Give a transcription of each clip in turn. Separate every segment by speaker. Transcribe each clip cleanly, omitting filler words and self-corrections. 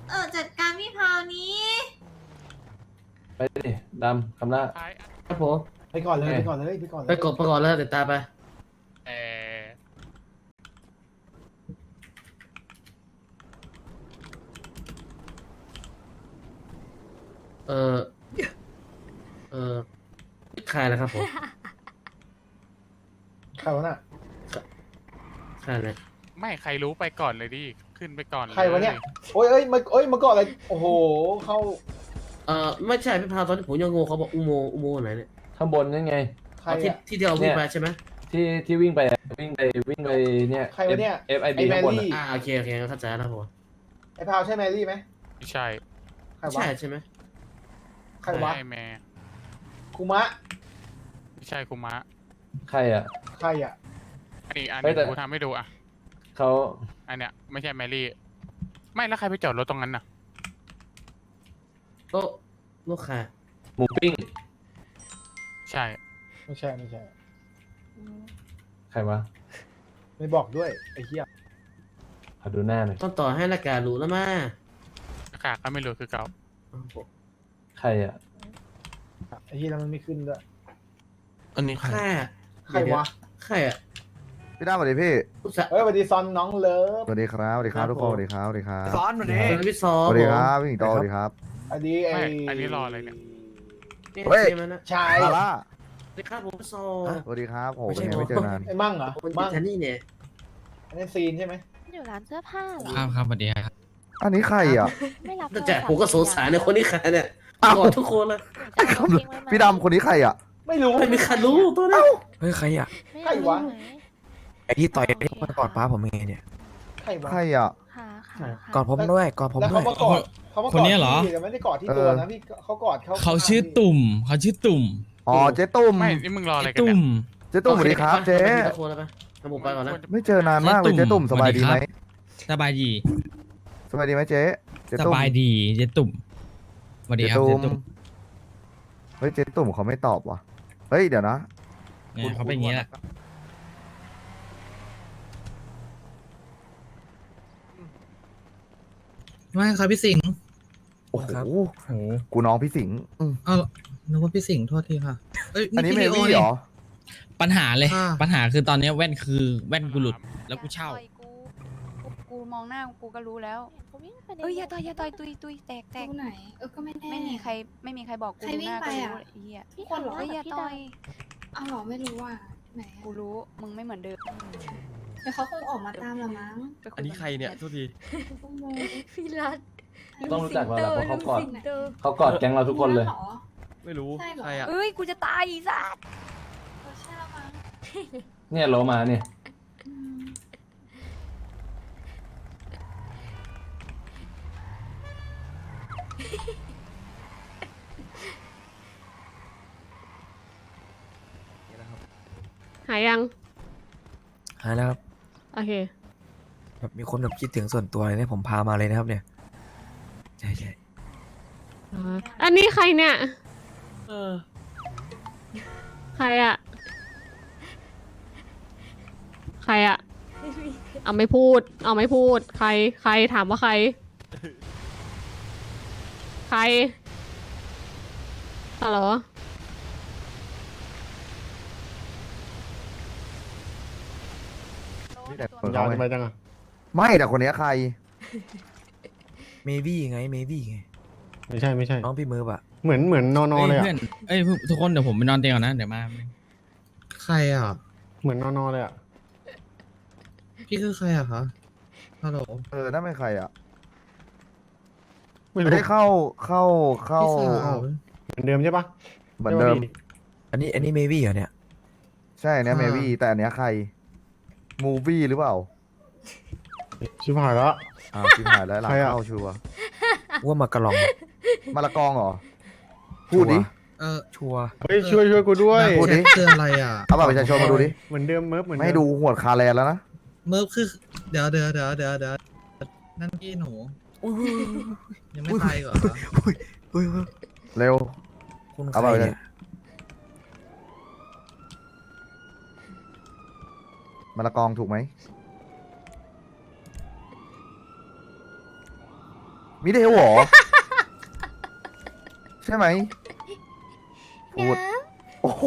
Speaker 1: จัดการพี่พาวนี้
Speaker 2: ไปดิดำคำละ
Speaker 3: ครับผม
Speaker 4: ไปก่อนเลยไปก่อนเลยไปก่อนเลย
Speaker 3: ไปกดประกอบแล้วเดี๋ยวตามไป
Speaker 5: เออ
Speaker 3: เออเออใครนะครับผม
Speaker 4: ใครวะน่ะ
Speaker 3: ใครเลย
Speaker 5: ไม่ใครรู้ไปก่อนเลยดิ ขึ้นไปก่อนเลย
Speaker 4: ใครวะเนี่ยโอ้ยมาก่อนเลยโอ้โหเข้า
Speaker 3: ไม่ใช่พี่พาวตอนที่ผมยังงงเขาบอกอุโมงค์ไหนเนี่ย
Speaker 2: ข้างบนนั่นไง
Speaker 4: ใคร
Speaker 3: ที่
Speaker 4: อะ
Speaker 3: ที่เราวิ่งไปใช่ไหม
Speaker 2: ที่วิ่งไปเนี่ย
Speaker 4: ใครวะเนี่ย
Speaker 2: FIB
Speaker 4: ไอ้แม
Speaker 2: ข้างบน
Speaker 4: รี่
Speaker 3: โอเคงั้นเข้าใจแล้วผม
Speaker 4: ไอ้พาวใช่แมรี่ไหม
Speaker 5: ไม่ใช่
Speaker 4: ใครวะ
Speaker 3: ใช่ใช่ไหม
Speaker 4: ใครวะ
Speaker 5: ไอแม่
Speaker 4: คุมะ
Speaker 5: ไม่ใช่คุมะ
Speaker 2: ใครอ่ะ
Speaker 4: ใครอ่ะ
Speaker 5: อันนี้
Speaker 2: เฮ้ยแต่
Speaker 5: กูทำให้ดูอ่ะ
Speaker 2: เขา
Speaker 5: อันเนี้ยไม่ใช่แมรี่ ไม่แล้วใครไปจอดรถตรงนั้นน่ะ
Speaker 3: โต๊ะลูกค้า
Speaker 2: หมูปิ้ง
Speaker 5: ใช่
Speaker 4: ไม่ใช่
Speaker 2: ใครวะ
Speaker 4: ไม่บอกด้วยไอ้เหี้ย
Speaker 2: ขอดูหน้าหน่อย
Speaker 3: ต้องต่อให้รายการรู้แล้วมา
Speaker 5: อากาศก็ไม่รู้คือเก่า
Speaker 2: ใครอ่ะ
Speaker 4: ไอ้เหี้ยแล้วมันไม่ขึ้นด้วย
Speaker 6: อันนี้ใคร
Speaker 3: ค่า
Speaker 4: ใครวะ
Speaker 3: ใครอ่ะ
Speaker 7: พี่ดาสวัสดีพี่
Speaker 3: ลูกสาว
Speaker 4: เฮ้ยสวัสดีซอนน้องเลิฟ
Speaker 7: สวัสดีครับสวัสดีครับ
Speaker 3: ครับ
Speaker 7: ทุกคน
Speaker 3: ผม
Speaker 7: สวัสดีครับสวัสดีครับ
Speaker 6: ซ้อนวันนี้
Speaker 3: เป็นพี่ซอ
Speaker 7: สวัสดีครับพี่หญิงโตสวัสดีครับ
Speaker 4: อันนี้ไอ้
Speaker 5: ไม่อันนี้รออะไรเนี่ย
Speaker 3: นี่
Speaker 7: เฮ้ย
Speaker 3: ใช่ไหมนะ
Speaker 4: ชาย
Speaker 7: ลาล่า
Speaker 3: สวัสดีครับผมพี่ซอ
Speaker 7: สวัสดีครับโห
Speaker 3: ไม่ใช่
Speaker 7: เป็นไงไม่เจอนาน
Speaker 4: ไอ้มั่งเหรอ
Speaker 3: ผมเป็น
Speaker 4: มั่ง
Speaker 3: แทนนี่เนี่ย
Speaker 4: อันนี้ซีนใช่ไหม
Speaker 1: อยู่ร้านเสื้อผ้าเหรอ
Speaker 6: ครับสวัสดีครับ
Speaker 7: อันนี้ใครอ่ะ
Speaker 1: ไม่รับ
Speaker 3: แต่จากผมก็สงสารในคนนี้ใครเนี่ย
Speaker 7: อ้าว
Speaker 3: กอดทุกคนเลย
Speaker 7: พี่ดำคนนี้ใครอ่ะ
Speaker 4: ไม่รู้
Speaker 3: ไม่มีใครรู้ตัวนี้
Speaker 6: เฮ้ยใครอ่ะ
Speaker 4: ใครวะ
Speaker 6: ไอที่ต่อยที่มากอดป้าผมยังไงเนี่ย
Speaker 4: ใครวะ
Speaker 7: ใครอ่ะ
Speaker 6: กอดผมด้วยกอดผม
Speaker 4: แล้ว
Speaker 6: ด้ว
Speaker 4: เขา
Speaker 6: ย
Speaker 4: มากอดเขามากอด
Speaker 8: คนเนี้ยเหรอ
Speaker 4: ที่แต่ไม่ได้กอดที่ตัวนะพี่เขากอดเขา
Speaker 8: เขาชื่อตุ่มเขาชื่อตุ่ม
Speaker 7: อ๋อเจ๊ตุ้ม
Speaker 5: ไม่ นี่มึงรออะไรกัน
Speaker 8: ตุ่
Speaker 5: เนี่ย
Speaker 8: ม
Speaker 7: เจ๊ตุ้มสวัสดีครับเจ๊
Speaker 3: ทุกคนแล้วไปแล้วผมไปก่อนนะ
Speaker 7: ไม่เจอนานมากเลยเจ๊ตุ้มสบายดีไหม
Speaker 8: สบายดี
Speaker 7: สบายดีไหมเจ๊เจ๊
Speaker 8: ส
Speaker 7: ตุ้ม
Speaker 8: บายดีเจ๊ตุ่มสวัสดี
Speaker 7: เจ๊
Speaker 8: ครับ
Speaker 7: ตุ้
Speaker 8: เจ๊
Speaker 7: ม
Speaker 8: ตุ่ม
Speaker 7: เฮ้ยเจ๊ตุ้มเขาไม่ตอบว่ะเฮ้ยเดี๋ยวนะ
Speaker 8: เนี่ยเขาเป็นอย่างนี้แหละ
Speaker 9: ไม่ครับพี่สิงห์
Speaker 7: โอ้โห
Speaker 9: ครับ
Speaker 8: โห
Speaker 7: กูน้องพี่สิงห์
Speaker 9: เอ้านึกว่าพี่สิงห์โทษทีค่ะเอ้ย
Speaker 7: อันนี้เม
Speaker 9: พี่
Speaker 7: วี่
Speaker 9: ลี
Speaker 7: เหร
Speaker 9: โอ
Speaker 7: อ
Speaker 8: ปัญหาเลย
Speaker 9: อ่า
Speaker 8: ปัญหาคือตอนนี้แว่นคือแว่นกูหลุดแล้วกูเช่า
Speaker 1: กูมองหน้ากูก็รู้แล้ว
Speaker 10: เอ้ยอย่าต่อย
Speaker 1: ตุยแตก
Speaker 10: ตรงไหนก็ไม่แน่
Speaker 1: ไม่มีใครบอกกู
Speaker 10: ใคร
Speaker 1: ดูหน้า
Speaker 10: วิ่ง
Speaker 1: ก็
Speaker 10: ไป
Speaker 1: รู้
Speaker 10: อะ
Speaker 1: ไอ้เหี้ย
Speaker 10: พี่คนเหรอ
Speaker 1: เอ้ยอย่าต่อย
Speaker 10: เอาเหรอไม่รู้ว่าไหนอะ
Speaker 1: กูรู้มึงไม่เหมือนเดิม
Speaker 10: เดี๋ยวเขาคงออกมาตามละมั้ง
Speaker 1: ไปคุย
Speaker 6: อันนี้ใครเนี่ยโทษที
Speaker 10: ก็โม
Speaker 1: พี่รัต
Speaker 2: ต้องรู้จักเราแหละเพราะเขากอด
Speaker 10: ไหน
Speaker 2: เขากอดแก๊งเราทุกคนเลย
Speaker 10: หรอ
Speaker 6: ไม่รู้
Speaker 10: ใช่เหรอ
Speaker 6: ใครอ่ะ
Speaker 1: เอ้ยกูจะตายอีสัส
Speaker 10: ใช่ละมั้ง
Speaker 2: เนี่ยโลมาเนี่ย
Speaker 10: อืม
Speaker 11: หายยัง
Speaker 6: หายแล้วครับ
Speaker 11: โอเค
Speaker 6: แบบมีคนแบบคิดถึงส่วนตัวเลยเนี่ยผมพามาเลยนะครับเนี่ยใช่ใช่
Speaker 11: อันนี้ใครเนี่ย
Speaker 6: เออ
Speaker 11: ใครอะใครอะเอาไม่พูด เอาไม่พูด ใครถามว่าใคร ใครฮัลโหล
Speaker 7: นี่แต่
Speaker 4: ยาวทำไมจังอะ
Speaker 7: ไม่แต่คนเนี้ยใคร
Speaker 6: เมวี่ไงเมวี่ไง
Speaker 4: ไม่ใช่
Speaker 6: น้องพี่มือปะ
Speaker 4: เหมือนนอน
Speaker 8: เอ้ย
Speaker 4: เลยอะ
Speaker 8: เพื่อนเอ้ยทุกคนเดี๋ยวผมไปนอนเตียงก่อนนะเดี๋ยวมา
Speaker 9: ใครอ่ะ
Speaker 4: เหมือนนอนเลยอะ
Speaker 9: พี่คือใครอ่ะคะฮัลโหล
Speaker 7: นั่นเป็นใครอ่ะ
Speaker 4: ไม่
Speaker 7: ไม่
Speaker 4: รู้
Speaker 7: ได้เข้า
Speaker 9: พี่สาว
Speaker 4: เหมือนเดิมใช่ปะ
Speaker 7: เหมือนเดิม
Speaker 6: อันนี้เมวี่เหรอเนี่ย
Speaker 7: ใช่อันเนี้ยเมวี่แต่อันเนี้ยใครมูวี่หรือเปล่า
Speaker 4: ชิบหายแล้ว
Speaker 7: ชิบหายแล้วหลัง
Speaker 4: ใครอะ
Speaker 7: เข้าชัวร์
Speaker 6: ว่ามากระลอง
Speaker 7: มาละกองเหรอ พูดดิ
Speaker 6: ชัวร์
Speaker 4: เฮ้ยช่วยกูด้วย
Speaker 7: พูดดิ
Speaker 9: คืออะไรอ่ะ
Speaker 7: เอาบัตรประชาชนมาดูดิ
Speaker 4: เหมือนเดิมเมิร์ฟเหมือน
Speaker 7: ไม่
Speaker 4: เดิ
Speaker 7: ให้ดูหัวดคาแลนแล้วนะ
Speaker 9: เมิร์ฟคือ เดี๋ยวนั่นพี่หนู ยังไม่ตายเหรอคะ
Speaker 6: อุ้ย
Speaker 7: เร็ว
Speaker 6: คุณใค
Speaker 7: เอา
Speaker 6: ร
Speaker 7: ไปเลย
Speaker 6: เนี่ย
Speaker 7: มาละกองถูกไหม
Speaker 6: ม
Speaker 7: มิเทลเหรอ ใช่ไหมพูดโอ้โห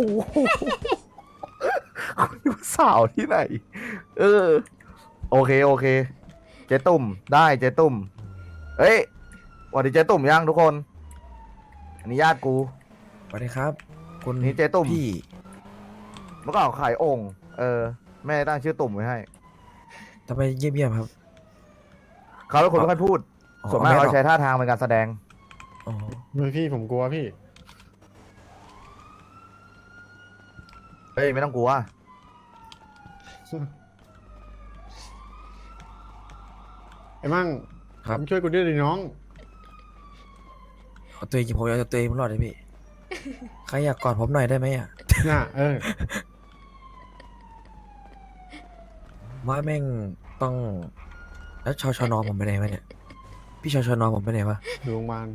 Speaker 7: คุณดูสาวที่ไหน เออ โอเคโอเค เจ๊ตุ่มได้เจ๊ตุ่มเอ้ยสวัสดีเจ๊ตุ่มยังทุกคน อันนี้ญาติกู
Speaker 6: สวัสดีครับ คุณ
Speaker 7: นี่เจ๊ตุ่ม
Speaker 6: พี่
Speaker 7: เมื่อก่อนเขาขายโอ่งแม่ตั้งชื่อตุ่มไว้ให้
Speaker 6: ทำไมเยี่ยมๆครับ
Speaker 7: เขาเป็นคนไม่ค่อยพูด
Speaker 6: อ๋อ
Speaker 7: ส่วนมาก
Speaker 6: ไม่หร
Speaker 7: เขา
Speaker 6: อก
Speaker 7: ใช้ท่าทางเป็นการแสดง
Speaker 6: อ๋อ
Speaker 4: พี่ผมกลัวพี่
Speaker 7: เฮ้ยไม่ต้องกลัว
Speaker 4: ไอ้มั่ง
Speaker 6: ครับ
Speaker 4: ช่วยกูด้วยดิน้อง
Speaker 6: เอาตัวเองผมอยากจะตัวเองรอดเลยพี่ ใครอยากกอดผมหน่อยได้ไหมอ่ะ
Speaker 4: น่ะ
Speaker 6: ว่าแม่งต้อง แล้วชนผมไปไหนวะเนี่ย พี่ชนผมไปไหนวะ
Speaker 4: อยู่โรงพยาบาล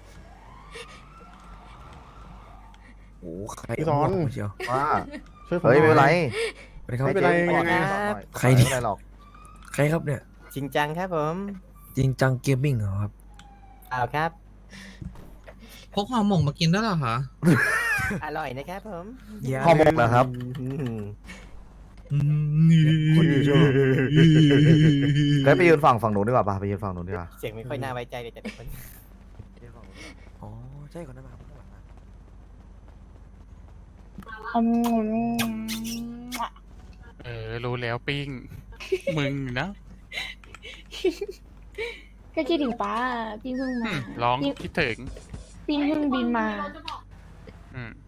Speaker 6: โอ้ใคร
Speaker 4: พี่สอน
Speaker 6: เาหัวผมเชียว
Speaker 7: ว่า
Speaker 4: ช่วยผม
Speaker 7: เฮ้ยไม่เป็นไร
Speaker 6: สวัสดีครับ
Speaker 4: ไม่เป็นไร
Speaker 7: ให้จ๊
Speaker 4: ยังไง
Speaker 7: ก่อนหน่อย
Speaker 6: ใครเนี่ย
Speaker 7: ไม่เป็นไรหรอก
Speaker 6: ใครครับเนี่ย
Speaker 12: จริงจังครับผม
Speaker 6: จริงจังเกมมิ่งเหรอครับ
Speaker 12: เอาครับ
Speaker 9: พกห่อหมกมากินด้วยเหรอคะ
Speaker 12: อร่อยนะครับผม
Speaker 7: ข้อมกนะครับ
Speaker 4: คนอยู่ช่วย
Speaker 7: เฮ้ยไปยืนฝั่งนู้นดีกว่าป่ะไปยืนฝั่งนู้นดีกว่า
Speaker 12: เสียงไม่ค่อยน่าไว้ใจเลยแต่ละคน
Speaker 6: อ๋อ ใช่ก่อนนะมาข้างหลังนะ
Speaker 5: รู้แล้วปิ้ง มึงนะ
Speaker 10: ก็คิดถึงป้าพี่เพิ่งมา
Speaker 5: ร้องคิดถึง
Speaker 10: พี่เพิ่งบินมา
Speaker 5: อืม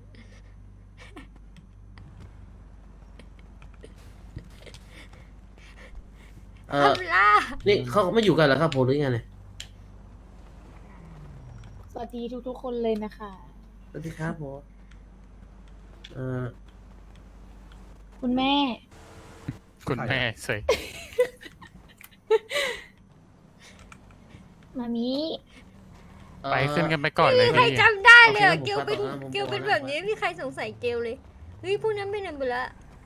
Speaker 3: นี่เขาไม่อยู่กันเหรอครับผมหรือไงเนี่ย
Speaker 10: สวัสดีทุกๆคนเลยนะคะ
Speaker 3: สวัสดีครับผม
Speaker 10: คุณแม่
Speaker 5: คุณแม่เสย
Speaker 10: มามิ
Speaker 5: ไปขึ้นกันไปก่อนเลย
Speaker 10: ใคร
Speaker 5: นี่
Speaker 10: จำได้เลย
Speaker 3: โอเค
Speaker 10: เกลเป็น
Speaker 3: ผม
Speaker 10: เกลเป็นแบบนี้ไม่มีใครสงสัยเกลเลย เฮ้ยพวกนั้นไปไหนหมดละ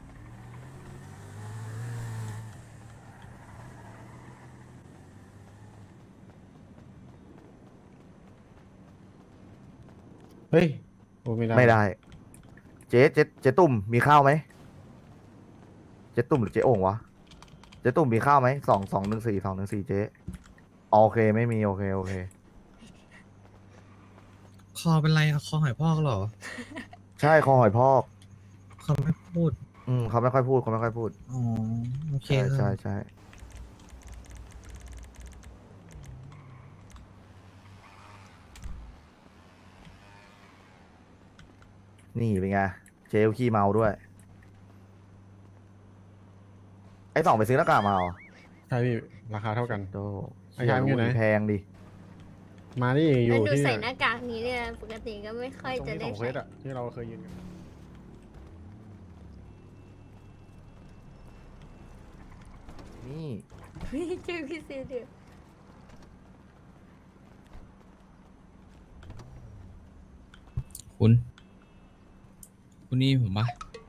Speaker 4: เฮ้ยโอ้ไม่ได้
Speaker 7: ไม่ได้ เจ๊ตุ่มมีข้าวไหมเจ๊ตุ่มหรือเจ๊โอ่งวะเจ๊ตุ่มมีข้าวไหม214เจ๊โอเคไม่มีโอเค
Speaker 9: คอเป็นไรอะคอหอยพอกเหรอ
Speaker 7: ใช่คอหอยพอก
Speaker 9: เขาไม่พูด
Speaker 7: เขาไม่ค่อยพูด
Speaker 9: อ๋อ โอเค
Speaker 7: ใช่
Speaker 9: ครับ
Speaker 7: ใช่นี่เป็นไงเจลขี้เมาด้วย ไอ้สองไปซื้อหน้ากากมาเหรอ
Speaker 4: ใช่พี่ราคาเท่ากัน
Speaker 7: โต
Speaker 4: ไอ้ชายมันอยู่ไหน
Speaker 7: แพงดิ
Speaker 4: มานี่อยู่
Speaker 10: ดู
Speaker 4: ที่
Speaker 10: ใส่หน้ากากนี้เนี่ยปกติก็ไม่ค่อย
Speaker 4: ตรง
Speaker 10: จะ
Speaker 4: ที่
Speaker 10: ได้
Speaker 4: ของเคว
Speaker 10: ใส่
Speaker 4: สอะที่เราเคยยืนกัน
Speaker 7: นี่
Speaker 10: เฮ้ยเจอพี่เซเดือ
Speaker 8: คุณนี่ผมปะ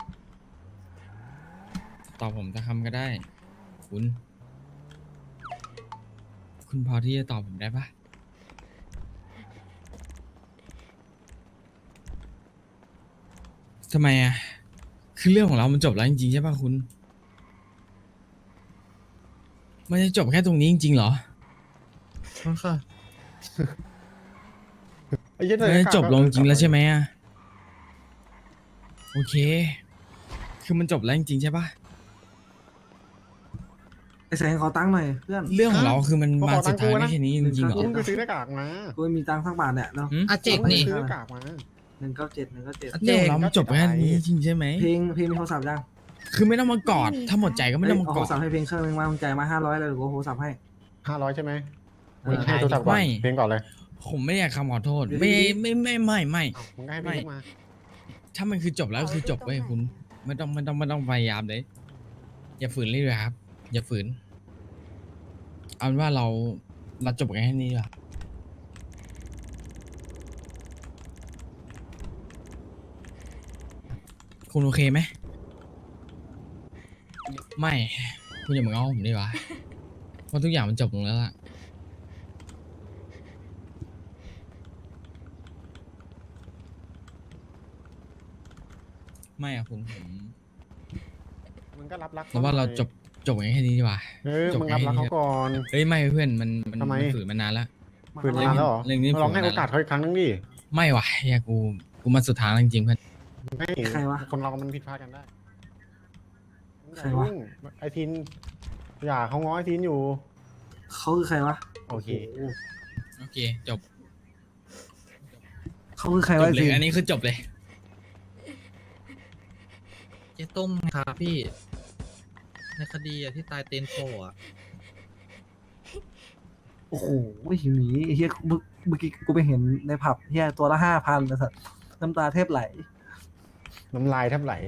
Speaker 8: ตอบผมสักคำก็ได้ คุณพอที่จะตอบผมได้ปะทำไมอ่ะ คือเรื่องของเรามันจบแล้วจริงๆใช่ปะคุณ มันจะจบแค่ตรงนี้จริงๆเหรอ
Speaker 9: ค่ะ
Speaker 4: ไอ้เหี้ย
Speaker 8: มันจะจบลงจริงแล้วใช่ไหมอ่ะ โอเค คือมันจบแล้วจริงๆใช่ปะ
Speaker 9: ไอแสงขอตังค์หน่อยเพื่อน
Speaker 8: เรื่องของเราคือมันมาสุดท้ายได้แค่นี้จริงๆเหรอ
Speaker 4: กูเพิ่งไปซื้อหน้ากากมา
Speaker 9: กูมีตังค์สักบาทเนี่ยเนาะ
Speaker 8: หืม
Speaker 9: อ่ะเจ็กนี่
Speaker 4: ซื้อหน้ากากมา
Speaker 9: 197 197
Speaker 8: เรื่องของเรามันจบแค่นี้จริงใช่ไหม
Speaker 9: เพลงมีโทรศัพท์ยัง
Speaker 8: คือไม่ต้องมากอด ถ้าหมดใจก็ไม่ต้องมา
Speaker 9: เอา
Speaker 8: ก
Speaker 9: โท
Speaker 8: อ
Speaker 9: ร
Speaker 8: ด
Speaker 9: ศัพท์ให้เพลงเครื่องนึงมามึงจ่ายมา500เลยหรือกูโทรศัพท์ให้
Speaker 4: 500ใช่ไหม
Speaker 9: เอ
Speaker 4: มึ
Speaker 9: อง
Speaker 4: ให้โทรศัพท์ก่อน
Speaker 8: ไม่
Speaker 4: เพลงก่อนเลย
Speaker 8: ผมไม่อยากคำขอโทษ
Speaker 9: เดี๋ยว
Speaker 8: ไม่
Speaker 9: ดี
Speaker 8: ไม่
Speaker 4: มึงก็ให้เพลงมา
Speaker 8: ถ้ามันคือจบแล้วก็คือจบเว้ยคุณ ไม่ต้องพยายามเลย อย่าฝืนเลยเลยครับ อย่าฝืน เอาเป็นว่าเราจบกันแค่นี้ดีกว่าคุณโอเคไหม ไม่ คุณอย่ามาง้อผมดีกว่าเพราะทุกอย่างมันจบลงแล้วล่ะไม่อะผม
Speaker 9: มึงก็รับรัก
Speaker 8: เราว่าเราจบกันแค่นี้ดีกว่า จบ
Speaker 9: มึง
Speaker 8: กั
Speaker 9: รับ
Speaker 8: น
Speaker 9: รัก
Speaker 8: แค่
Speaker 9: เขา
Speaker 8: นี้
Speaker 9: ก่อน
Speaker 8: เอ้ยไม่เพื่อนมัน
Speaker 9: ทำไม
Speaker 8: ฝืนมานานแล้ว
Speaker 9: ฝืนมานานแล้วเหรอ
Speaker 8: เรื่องนี้
Speaker 9: ลองให้
Speaker 8: ฝืนมานาน
Speaker 9: โอกาสเขาอีกครั้งนึงดิ
Speaker 8: ไม่ว่ะเฮียกูมาสุดทางแล้วจริงๆเพื่อน
Speaker 9: ไม่
Speaker 4: ใครวะ
Speaker 9: คนเรามันผิดพลาดกันได้
Speaker 4: ใครวะ
Speaker 9: ไอทินอย่าเขาง้อไอทินอยู่
Speaker 4: เขาคือใครวะ
Speaker 9: โอเค
Speaker 8: โอเคจบ
Speaker 4: เขาคือใคร
Speaker 8: จ
Speaker 4: วะ
Speaker 8: บเลย
Speaker 4: สิ
Speaker 8: อันนี้คือจบเลย
Speaker 9: เจ๊ต้มครับพี่ ในคดีที่ตายเตนโฟอ่ะ
Speaker 4: โอ้โหหิวหนีไอ้เฮียเมื่อกี้กูไปเห็นในผับเฮียตัวละ5,000นะสัตว์น้ำตาแทบไหล
Speaker 9: น้ำลายแทบไหล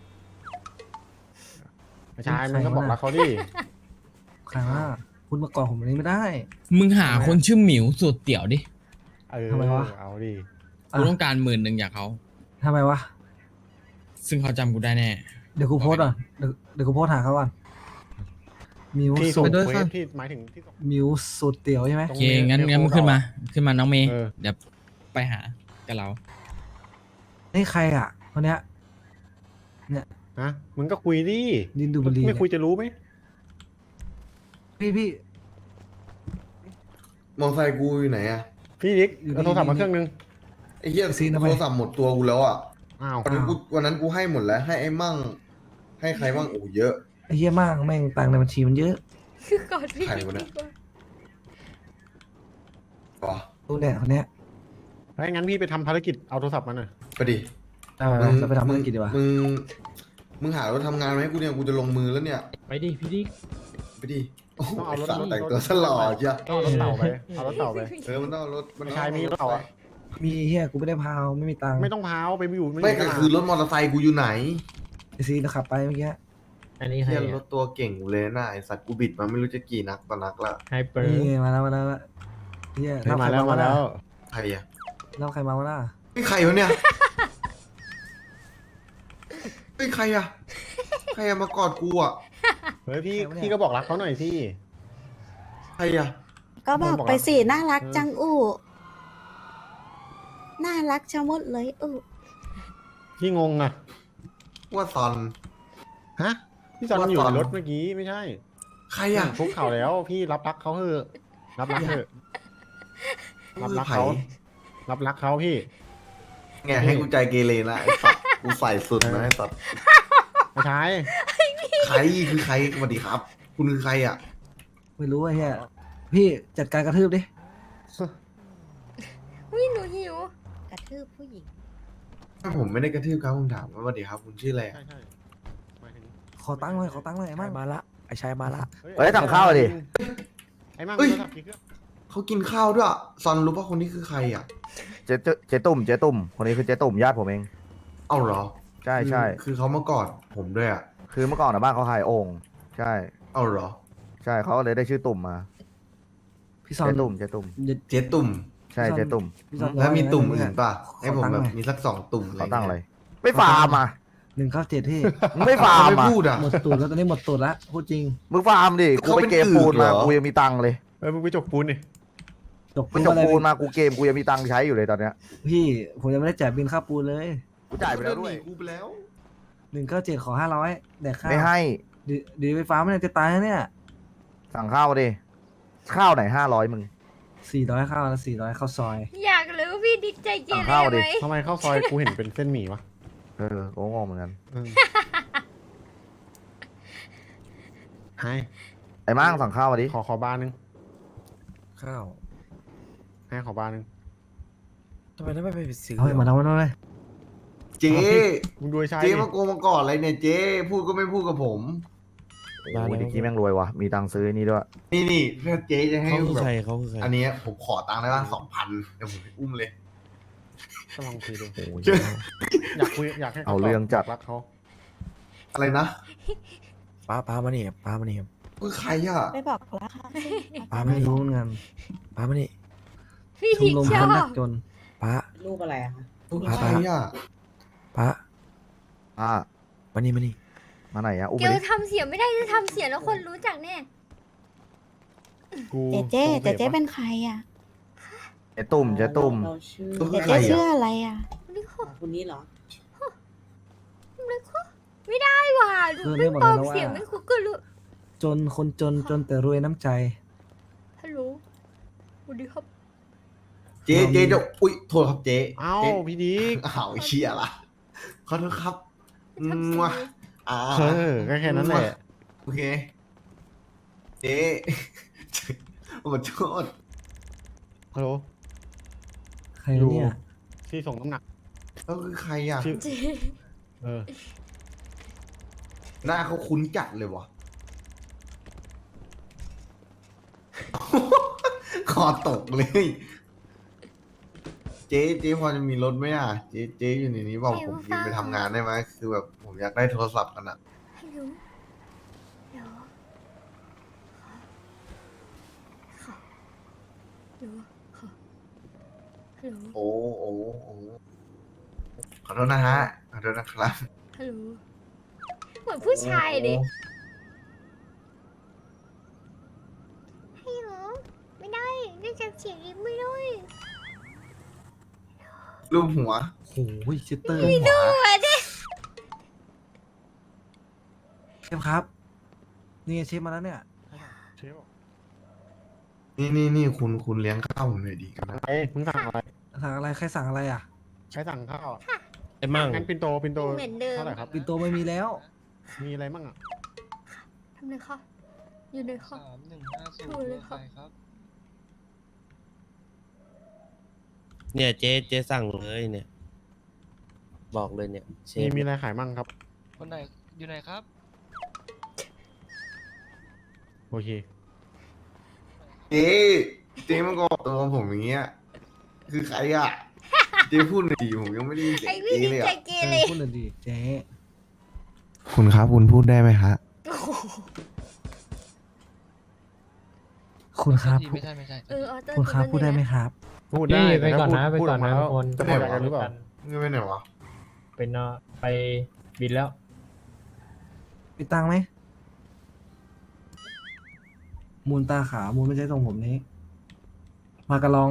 Speaker 9: ไม่ใช่
Speaker 4: ใคร
Speaker 9: มึงก็บอก
Speaker 4: วะน่ะ
Speaker 9: รักเขาดิ
Speaker 4: ใครว่าคุณมาก่อนผมแบบนี้ไม่ได้
Speaker 8: มึงหาคนชื่อหมิวสูตรเตี๋ยวดิ
Speaker 4: ทำไมวะ
Speaker 9: เอาดิ
Speaker 8: กูต้องการ10,000จากเขา
Speaker 4: ทำไมวะ
Speaker 8: ซึ่งเขาจำกูได้แน่
Speaker 4: เดี๋ยวกูโพสต์ก่อนเดี๋ยวกูโพสต์หาเขาก่อนมิว
Speaker 9: ที่
Speaker 4: สู
Speaker 9: ส่ง
Speaker 4: ตร
Speaker 9: เควสที่หมายถึงที่ส่ง
Speaker 4: มิวสูตรเตี๋ยวใช่ไหม
Speaker 8: โอเคงั้นมึงขึ้นมาน้องเมย์
Speaker 9: เออ
Speaker 8: เดี๋ยวไปหากับเรา
Speaker 4: นี่ใครอ่ะคนเนี้ย
Speaker 9: ฮะมึงก็คุยดิ
Speaker 4: ดินดูบุรี
Speaker 9: ไม่คุยจะรู้ไหม
Speaker 4: พี่
Speaker 13: มอไซค์กูอยู่ไหนอะ
Speaker 9: พี่ดิ๊ก
Speaker 4: อยู่นี่
Speaker 9: เอาโทรศัพท์มาเครื่องนึง
Speaker 13: ไอ้เหี้ย
Speaker 4: ซีนทำไม
Speaker 13: โทรศัพท์หมดตัวกูแล้วอะ
Speaker 9: อ้าว
Speaker 13: วันนั้นกูให้หมดแล้ว ให้ไอ้มั่ง ให้ใครบ้างโอ้เยอะ
Speaker 4: ไอ้เหี้ยมากแม่งตังค์ในบัญชีมันเยอะ
Speaker 10: คือกอดพี่
Speaker 13: ใคร
Speaker 10: ดี
Speaker 13: วะเนี่ย
Speaker 10: กว่า
Speaker 13: อ๋อ
Speaker 4: ดูเนี่ยคนเนี้ย
Speaker 9: ถ้างั้นพี่ไปทำภารกิจเอาโทรศัพท์มาหน่อย
Speaker 13: ไปดิ
Speaker 4: จะไปทำธุรกิจดีกว่า
Speaker 13: มึงหารถทำงานมาให้กูเนี่ยกูจะลงมือแล้วเนี่ย
Speaker 8: ไปดิพี่ดิ
Speaker 13: ไปดิโอ้โห
Speaker 9: ต้องเอารถ
Speaker 13: ไสัตว์
Speaker 9: รถ
Speaker 13: แต่งตัวสลอดจ้ะ
Speaker 9: ต้องเอารถเต่าไป เอารถเต่าไป
Speaker 13: มันต้องเอารถ
Speaker 9: ไม่ใช่มีรถเต่าอะ
Speaker 4: มีเหี้ยกูไม่ได้พาวไม่มีตังค์
Speaker 9: ไม่ต้องพาวไปอยู่
Speaker 13: ไม่ก็คือรถมอเตอร์ไซค์กูอยู่ไหน
Speaker 4: ไอซีนะขับไปเมื่อกี้
Speaker 9: อันนี้
Speaker 13: เหี้ยรถตัวเก่งกูเลยนะไอสัตว์กูบิดมาไม่รู้จะกี่นักต่อนักละ
Speaker 9: ไฮเปอร์
Speaker 4: นี่ไงมาแล้วเหี้ยรับ
Speaker 9: มา
Speaker 4: ใคร
Speaker 9: แล้วมาแล้ว
Speaker 13: ใครอะ
Speaker 4: รับใครมาวะล่ะ
Speaker 13: ไม่ใครวะเนี่ยไม่ใครอะใครอะมากอดกูอะ
Speaker 9: เฮ้ยพี่ก็บอกรักเขาหน่อยสิ
Speaker 13: ใครอะ
Speaker 10: ก็บอกไปสิ น่ารัก
Speaker 9: เออ
Speaker 10: จังอู้น่ารักชะมดเลยอู้
Speaker 9: พี่งงอ่ะ
Speaker 13: ว่าซอน
Speaker 9: ฮะ พี่จอน
Speaker 13: ว่า
Speaker 9: อยู่
Speaker 13: ตอน
Speaker 9: ในรถเมื่อกี้ไม่ใช่
Speaker 13: ใครอะ
Speaker 9: คุกเข่าแล้ว พี่รับรักเขาเถอะรับรักเถอะรับรักเขารับรักเขาพี่
Speaker 13: ไงให้กูใจเกเรนะไอ้สัตว์กูใส่สุดนะไอ้สัตว์
Speaker 9: ไม่ใช่
Speaker 13: ใครคือใครสวัสดีครับ คุณคือใครอะ
Speaker 4: ไม่รู้ไอ้เหี้ยพี่จัดการกระทืบดิ
Speaker 10: วิหนูหิว กระทืบผู้หญิง
Speaker 13: ผมไม่ได้กระทืบครับผมถามว่าสวัสดีครับคุณชื่ออะไรอะ
Speaker 9: ใช่ใช่หมายถึง
Speaker 4: ขอตังค์หน่อยไอ้มั่ง
Speaker 6: มาละไอ้ชายมาละ
Speaker 7: เฮ้ยสั่งข้าวดิ
Speaker 9: ไอ้มั่ง
Speaker 13: เอ้ย
Speaker 9: โทรศัพท์กี่เครื่อง
Speaker 13: เขากินข้าวด้วยอะซอนรู้ป่ะคนนี้คือใครอะ
Speaker 7: เจ๊ตุ่มคนนี้คือเจ๊ตุ่มญาติผมเอง
Speaker 13: เอ้าเหรอ
Speaker 7: ใช่ใช่
Speaker 13: คือเขามากอดผมด้วยอะ
Speaker 7: คือเมื่อก่อนนะบ้านเขาหายโอ่งใช่
Speaker 13: เอ้าเหรอ
Speaker 7: ใช่เขาเลยได้ชื่อตุ่มมา
Speaker 4: พี่ซอน
Speaker 7: เจ๊ตุ่ม
Speaker 13: เจ๊ตุ่ม
Speaker 7: ใช่เจ๊ตุ่ม
Speaker 4: พี่ซอน
Speaker 13: แล้วมีตุ่ม
Speaker 4: ร้ย
Speaker 13: อื่นป่ะ
Speaker 4: ข
Speaker 13: ให้ผม
Speaker 4: ตังค์
Speaker 13: แบบ
Speaker 4: หน่อย
Speaker 13: มีสัก2 ตุ่ม
Speaker 7: เขาตั้งอะไรไม่ฟาร์มอ่ะ
Speaker 4: 197พี่
Speaker 7: มึงไม่ฟาร์ม
Speaker 13: ไม่
Speaker 7: อ่ะ
Speaker 13: พูดอะ
Speaker 4: หมดตูดแล้วตอนนี้หมดตูดแล้วพูดจริง
Speaker 7: มึงฟาร์มดิกูไปเกมปูนมา
Speaker 13: เขาเป็นอืดเหรอ
Speaker 7: กูยังมีตังค์เลย
Speaker 9: มึงไปจกปูนดิ
Speaker 4: จบ
Speaker 7: กูจบปูนมากูเกมกูยังมีตังค์ใช้อยู่เลยตอนเนี้ย
Speaker 4: พี่ผมยังไม่ได้จ่ายบินค่าปูนเลย
Speaker 7: กูจ่ายไปแล้วด้วย
Speaker 13: กูไปแล้ว
Speaker 4: 197ขอ500แดกข้าว
Speaker 7: ไม่ให้
Speaker 4: ดีไฟฟ้าไม่ได้จะตายนะเนี่ย
Speaker 7: สั่งข้าวดิข้าวไหน500มึง
Speaker 4: 400ข้าวแล้ว400ข้าวซอย
Speaker 10: อยากรู้พี่ดิ๊กใจเก
Speaker 7: สั่ง
Speaker 10: เร
Speaker 7: ข้าวดิ
Speaker 10: ไหม
Speaker 9: ทำไมข้าวซอยกูเห็นเป็นเส้นหมี่วะ
Speaker 7: กูงงเหมือนกัน
Speaker 9: เออไฮ
Speaker 7: ไอ้มั่งสั่งข้าวมาดิ
Speaker 9: ขอบาร์นึง
Speaker 6: ข้าว
Speaker 9: ให้ขอบาร์นึง
Speaker 6: ทำไมไม่ไปซื้อ
Speaker 4: เอาไปมาทำมันเลย
Speaker 13: เจ๊
Speaker 9: มึงดูไอ้ชาย
Speaker 13: เจ๊
Speaker 9: ดิ
Speaker 13: มาโกงมากอดอะไรเนี่ยเจ๊พูดก็ไม่พูดกับผม
Speaker 7: โอ้ยเด็กกี้แม่งรวยว่ะมีตังค์ซื้อไอ้นี่ด้วย
Speaker 13: นี่ถ้าเจ๊จะให้
Speaker 6: เขาคือ
Speaker 13: แบบ
Speaker 6: ใครเขาคือใคร
Speaker 13: อันเนี้ยผมขอตังค์ได้ป่ะ2,000เดี๋ยวผมไปอุ้มเลย
Speaker 9: ก็ลองคุยดู
Speaker 7: โอ้ย
Speaker 9: อยากคุยอยากให้
Speaker 7: เอาเรื่องจัด
Speaker 9: รักเขา
Speaker 13: อะไรนะ
Speaker 6: ป้ามานี่ป้ามานี่
Speaker 13: คือใครอ่ะ
Speaker 10: ไม่บอกรักค่ะ
Speaker 6: ป้ามา
Speaker 4: ไม่
Speaker 6: นี่
Speaker 4: รู้เหมือนกัน
Speaker 6: ป้ามานี่
Speaker 10: พี่
Speaker 4: ชม
Speaker 10: ดิ๊ก
Speaker 4: รม
Speaker 10: ช
Speaker 4: ค
Speaker 10: อน
Speaker 4: ดั
Speaker 10: บ
Speaker 4: กจน
Speaker 6: ป้า
Speaker 12: รูปอะไรอะคะ
Speaker 13: คือใครอ่ะ
Speaker 6: ป้า
Speaker 7: อ่ะ
Speaker 6: มานี่มานี่
Speaker 7: มาไหนอะอุ้ม
Speaker 10: เก
Speaker 7: มา
Speaker 10: ล
Speaker 7: ดิ
Speaker 10: ทำเสียงไม่ได้จะทำเสียงแล้วคนรู้จักแน่
Speaker 9: กู
Speaker 10: เจ๊เป็นใครอ่ะ
Speaker 7: เจ๊ตุ่ม
Speaker 13: คือใครอ่ะ
Speaker 10: อะไรอ่ะ
Speaker 12: คนนี้เหรอ
Speaker 10: ไม่ไม่ได้ว่ะหนู
Speaker 4: คือ
Speaker 10: ไม่
Speaker 4: เรียกหมด
Speaker 10: บ
Speaker 4: เล
Speaker 10: อย ก
Speaker 4: นะว่า
Speaker 10: เสียงไม่คุกก็รู้
Speaker 4: จนคนจนจนแต่รวยน้ำใจ
Speaker 10: ฮัลโหลสวัสดีครับ
Speaker 13: เจ๊จะอุ้ยโทษครับเจ๊
Speaker 9: เอ้า
Speaker 13: เจ๊
Speaker 9: พี่ดิก
Speaker 13: อ้าวเชียละขอโทษครับ
Speaker 10: ทำเสียง
Speaker 13: อ่า
Speaker 9: ก็แค่นั้นแหละ
Speaker 13: โอเคเจ๊ขอโทษ
Speaker 9: ฮัลโหล
Speaker 4: ใครเนี่ย
Speaker 9: ที่ส่งน้ำหนัก
Speaker 13: แล้วคือใครอ่ะ
Speaker 9: ชื่อ
Speaker 10: เจ๊
Speaker 9: เออ
Speaker 13: หน้าเขาคุ้นจัดเลยวะ คอตกเลย เจ๊พอจะมีรถไหมอ่ะ เจ๊อยู่ในนี้บอกผมยืมไปทำงานได้ไหมคือแบบผมอยากได้โทรศัพท์กันอ่ะ
Speaker 10: ฮัลโหลเดี๋ยวขอเดี๋ยวขอฮัลโหล
Speaker 13: โอ้ขอโทษนะฮะ ขอโทษนะครับ
Speaker 10: ฮัลโหลเหมือนผู้ชายดิฮัลโหลไม่ได้ได้จำเสียงอีกไม่ได้
Speaker 13: รูปหัว
Speaker 4: โอ้ยชิตเตอร์
Speaker 10: ดูอ่ะดิ
Speaker 4: เชฟครับ นี่เชฟมาแล้วเนี่ย
Speaker 9: เชฟ
Speaker 13: นี่คุณเลี้ยงข้าวผมหน่อยดีกันนะ
Speaker 9: เอ้ยมึงสั่งอะไร
Speaker 4: สั่งอะไรใครสั่งอะไรอ่ะ
Speaker 9: ใช้สั่งข้าว
Speaker 6: ไอ้มั่ง
Speaker 9: งั้นปินโต
Speaker 10: เหมือนเดิม
Speaker 9: เท่าไหร่ครับ
Speaker 4: ปินโตไม่มีแล้ว
Speaker 9: มีอะไรมั่งอ่ะ
Speaker 10: ทำเลยค่ะอยู่เลยค่ะถูกเลยค่ะ
Speaker 6: เนี่ยเจ๊สั่งเลยเนี่ย บอกเลยเนี่ยเชฟ
Speaker 9: มีอะไรขายมั่งครับ
Speaker 8: คนไหนอยู่ไหนครับ
Speaker 9: โอเค
Speaker 13: เจ๊มันก็บอกตัวผมอย่างเงี้ย คือใครอ่ะ เจ๊พูดหน่อยดิผมยังไม่ได้ยินเสีย
Speaker 10: ไอ้
Speaker 13: ง
Speaker 10: พี่
Speaker 13: เจ๊
Speaker 10: นี่
Speaker 13: เลย
Speaker 10: ใจ
Speaker 13: อ่ะ
Speaker 10: เกเร
Speaker 4: พูดเลยดิเจ๊
Speaker 13: คุณครับคุณพูดได้ไหมฮะ
Speaker 10: โอ้โห
Speaker 4: คุณครับ
Speaker 8: ไม่ใช่ไม่ใช่
Speaker 10: เออออเตอร์
Speaker 4: คุณครับพูดได้ไหมครับ
Speaker 9: พูดได้
Speaker 14: ไปก่อนนะ
Speaker 9: พูด
Speaker 14: ไปก่อนนะ
Speaker 9: พูด
Speaker 14: ทุกคน
Speaker 9: จะหมดกันหรือเปล่า
Speaker 13: เงินไปไหนวะ
Speaker 14: เป็นไปบินแล้ว
Speaker 4: มีตังค์ไหม มูลตาขาวมูลไม่ใช่ทรงผมนี้ มากระลอง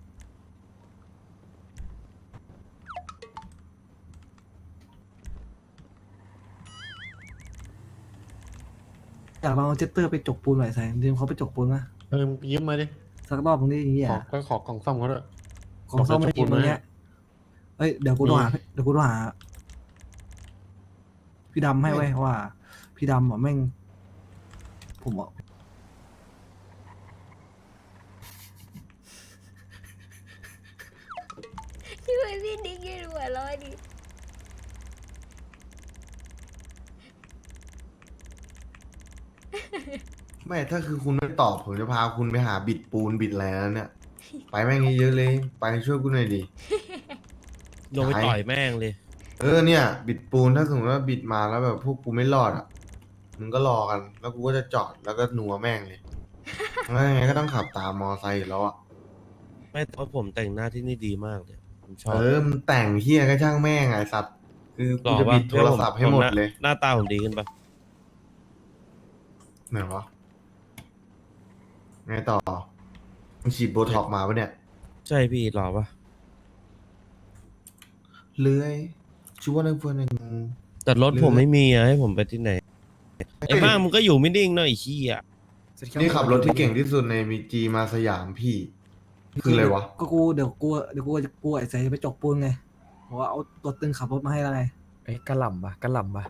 Speaker 4: อยากลองเอาเจตเตอร์ไปจกปูนหน่อยแสงยืมเขาไปจกปูนนะ
Speaker 9: มึงยืมมาดิ
Speaker 4: สักรอบตรงนี้อย่างเงี้ย
Speaker 9: ขอกล่องซ่อมเขาด้วย
Speaker 4: ของซ่อมไม่ดีตรงเนี้ยเอ้ยเดี๋ยวกูโทรหาพี่ดำให้ไว้ว่า พี่ดำอ่ะแม่ง ผมอ่ะ
Speaker 10: ที่ไว้พี่ดิ๊กยืนหัวเร้อยดิ
Speaker 13: ไม่ถ้าคือคุณไม่ตอบผมจะพาคุณไปหาบิดปูนบิดอะไรแล้วเนี่ย ไปแม่งเยอะๆเลย ไปช่วยกูหน่อยดิ
Speaker 6: ลงไปต่อยแม่งเลย
Speaker 13: เนี่ย บิดปูนถ้าสมมติว่าบิดมาแล้วแบบพวกกูไม่รอดอ่ะมึงก็รอกัน แล้วกูก็จะจอดแล้วก็หนัวแม่งเลยแล้วยังไงก็ต้องขับตามมอไซค์อยู่แล้วอ่ะ
Speaker 6: ไม่แต่ว่าผมแต่งหน้าที่นี่ดีมากเลยผมชอบ
Speaker 13: มันแต่งเฮียก็ช่างแม่งไงสัตว์คือกูจะบิดโทรศัพท์ให้หมดเลย
Speaker 6: หน้าตาผมดีขึ้นปะ
Speaker 13: ไหนวะไงต่อมึงฉีดโบท็อกซ์มาปะเนี่ย
Speaker 6: ใช่พี่หล่อปะ
Speaker 13: เลื้อยชัวร์เลยเพื่อนหนึ่ง
Speaker 6: แต่รถผมไม่มีอะให้ผมไปที่ไหนไอ้บ้างมึงก็อยู่ไม่นิ่งเนาะไอ้ขี้อ่ะ
Speaker 13: นี่ขับรถที่เก่งที่สุดในมีจีมาสยามพี่ คืออะไรวะ
Speaker 4: ก็เดี๋ยวกูไอ้แสงจะไปจกปูนไงเพราะว่าเอาตัวตึงขับรถมาให้แล้วไง
Speaker 6: ไอ้กระหล่ำปะกระหล่ำปะ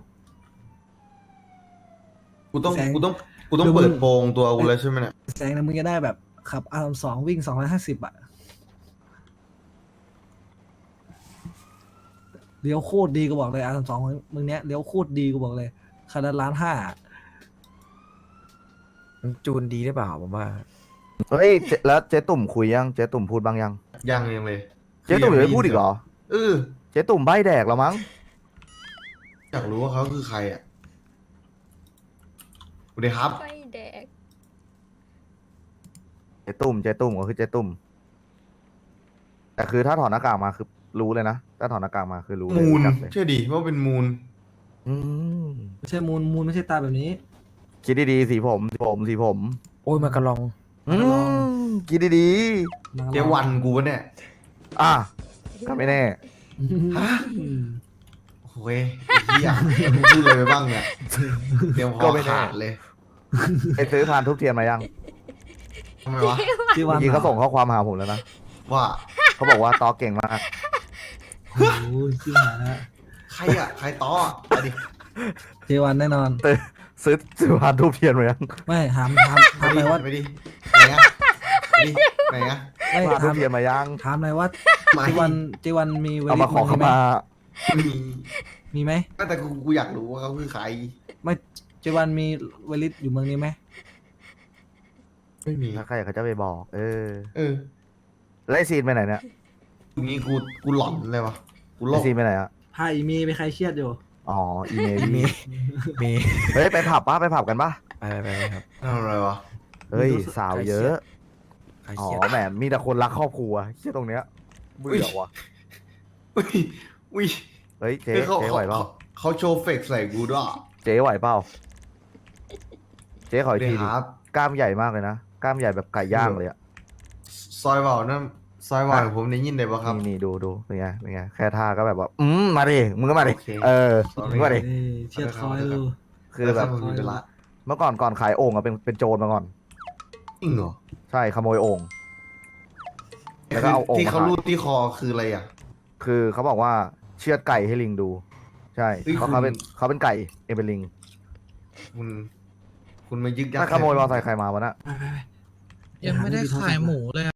Speaker 13: กูต้อง
Speaker 4: แสง
Speaker 13: เปิดโปงตัวกูแล้วใช่ไหมเนี่ย
Speaker 4: แสงนะมึงจะได้แบบขับR32วิ่ง250อ่ะเลี้ยวโคตรดีกูบอกเลยR32มึงเนี้ยเลี้ยวโคตรดีกูบอกเลยคันละ1,500,000
Speaker 6: มันจูนดีได้เปล่าผมว่า
Speaker 7: เฮ้ยแล้วเจ๊ตุ่มคุยยังเจ๊ตุ่มพูดบ้างยัง
Speaker 13: ยังเลย
Speaker 7: เจ๊ตุ่มยังไม่พูดอีกเหรอ
Speaker 13: อ
Speaker 7: เจ๊ตุ่มใบแดกแล้วมั้ง
Speaker 13: อยากรู้ว่าเขาคือใครอ่ะสวัสดีครับ
Speaker 10: ไฟแดง
Speaker 7: เจ๊ตุ่มก็คือเจ๊ตุ่มแต่คือถ้าถอดหน้ากากมาคือรู้เลยนะถ้าถอดหน้ากากมาคือรู้เลย
Speaker 13: มูล
Speaker 7: รู้จักเลย
Speaker 13: เชื่อดิว่าเป็นมูล
Speaker 7: อืม
Speaker 4: ไม่ใช่มูลไม่ใช่ตาแบบนี้
Speaker 7: คิดดีๆสีผม
Speaker 6: โอ้ยมากระลอง
Speaker 7: อืมคิดดี
Speaker 13: เจวันกูวะเนี่ย
Speaker 7: ๆอ่ะก็ไม่แน่
Speaker 13: ฮะ โอ้โหโอ้ยไอ้เหี้ยมึงพูดอะไรไปบ้างเนี่ยเตรียมค
Speaker 7: ก็
Speaker 13: อ
Speaker 7: ไม่แน่
Speaker 13: ขาดเลย
Speaker 7: ไปซื้อพานทุบเทียนมายัง
Speaker 13: ทำไมวะ
Speaker 4: ที่
Speaker 7: เมื่
Speaker 4: วัน
Speaker 7: อกี้เขาส่งข้อความหาผมแล้วนะ
Speaker 13: ว่า
Speaker 7: เขาบอกว่าตอเก่งมาก
Speaker 4: โอ้ยชื่อหาแล้ว
Speaker 13: ใครอ่ะใครต้ออะดิ
Speaker 4: เจวันแน่นอน
Speaker 7: ซื้อพานทุบเทียนมายัง
Speaker 4: ไม่ถามอะไรว่า
Speaker 13: ไปดิไหนอ่ะไปดิไหนอ่ะ
Speaker 4: ไม่
Speaker 7: พานทุ
Speaker 4: ถา
Speaker 7: บ
Speaker 4: ม
Speaker 7: เทียนมายัง
Speaker 4: ถามอะไรว่า
Speaker 13: ไม่
Speaker 4: เจวันมีเว
Speaker 7: เอา
Speaker 4: ลิ
Speaker 7: มาขอ
Speaker 4: ต
Speaker 7: เข้า
Speaker 4: ไหม
Speaker 7: มา
Speaker 4: มีไหม
Speaker 13: แต่กูอยากรู้ว่าเขาคือใคร
Speaker 4: ไม่เจวันมีเวลิตอยู่เมืองนี้ไหม
Speaker 13: ไม่มี
Speaker 7: ถ้าใครเขาจะไปบอก
Speaker 13: เออ
Speaker 7: แล้วไอซีนไปไหนเนี่ย
Speaker 13: ตรงนี้กูหลอนเลยวะกูโล
Speaker 7: ไอก ซีนไปไหนอะ
Speaker 4: พาอีมีไปใครเครียดอยู่
Speaker 7: อ๋ออีเมล
Speaker 6: มีมี
Speaker 7: เฮ้ยไปผับปะไปผับกันปะ
Speaker 6: ไปครับ
Speaker 13: ทำอะไรวะ
Speaker 7: เฮ้ยสาวเยอะ
Speaker 6: ใคร
Speaker 7: อ๋อ
Speaker 6: เครียด
Speaker 7: แหมมีแต่คนรักครอบครัวเชี่ยตรงเนี้ยเบื่อว่ะ
Speaker 13: อุ้ยอุ้ย
Speaker 7: เฮ้ยเจ๊
Speaker 13: เฮ้ยเขา
Speaker 7: เจ๊ไหวเปล่า
Speaker 13: เขาโชว์เฟกใส่กูด้วย
Speaker 7: เจ๊ไหวเปล่าเจ๊ขออีก
Speaker 13: เดี๋
Speaker 7: ที
Speaker 13: ยว
Speaker 7: ดิ
Speaker 13: ครับ
Speaker 7: กล้ามใหญ่มากเลยนะกล้ามใหญ่แบบไก่ย่างเลยอะ
Speaker 13: ซอยเบานั่นซอยเบาผมได้ยินได้ปะครับ
Speaker 7: นี่ดูเป็นไงเป็นไงแค่ท่าก็แบบว่ามาดิมึงก็มาดิ
Speaker 13: โอเค
Speaker 7: เออ
Speaker 13: Sorry
Speaker 7: มึงมาดิ
Speaker 4: เชียดคอยดู
Speaker 7: คือแบบ
Speaker 13: ผมมีเวลา
Speaker 7: เมื่อก่อนขายโอ่งอะเป็นโจรมาก่อน
Speaker 13: จริงเหรอ
Speaker 7: ใช่ขโมยโอ่ง แล้วก็เอาโอ่ง
Speaker 13: ที่เขา
Speaker 7: มาขาย
Speaker 13: รูดที่คอคืออะไรอ่ะ
Speaker 7: คือเขาบอกว่าเชือดไก่ให้ลิงดู ใช่
Speaker 13: เฮ้ย
Speaker 7: เพราะ
Speaker 13: คุณ
Speaker 7: เขาเป็นไก่เองเป็นลิง
Speaker 13: คุณมายึกยัก
Speaker 7: ถ้าขโมยมอเตอร์ไซค์ใครมาวะน่ะ
Speaker 9: ยังไม่ได้ขายหมูเลย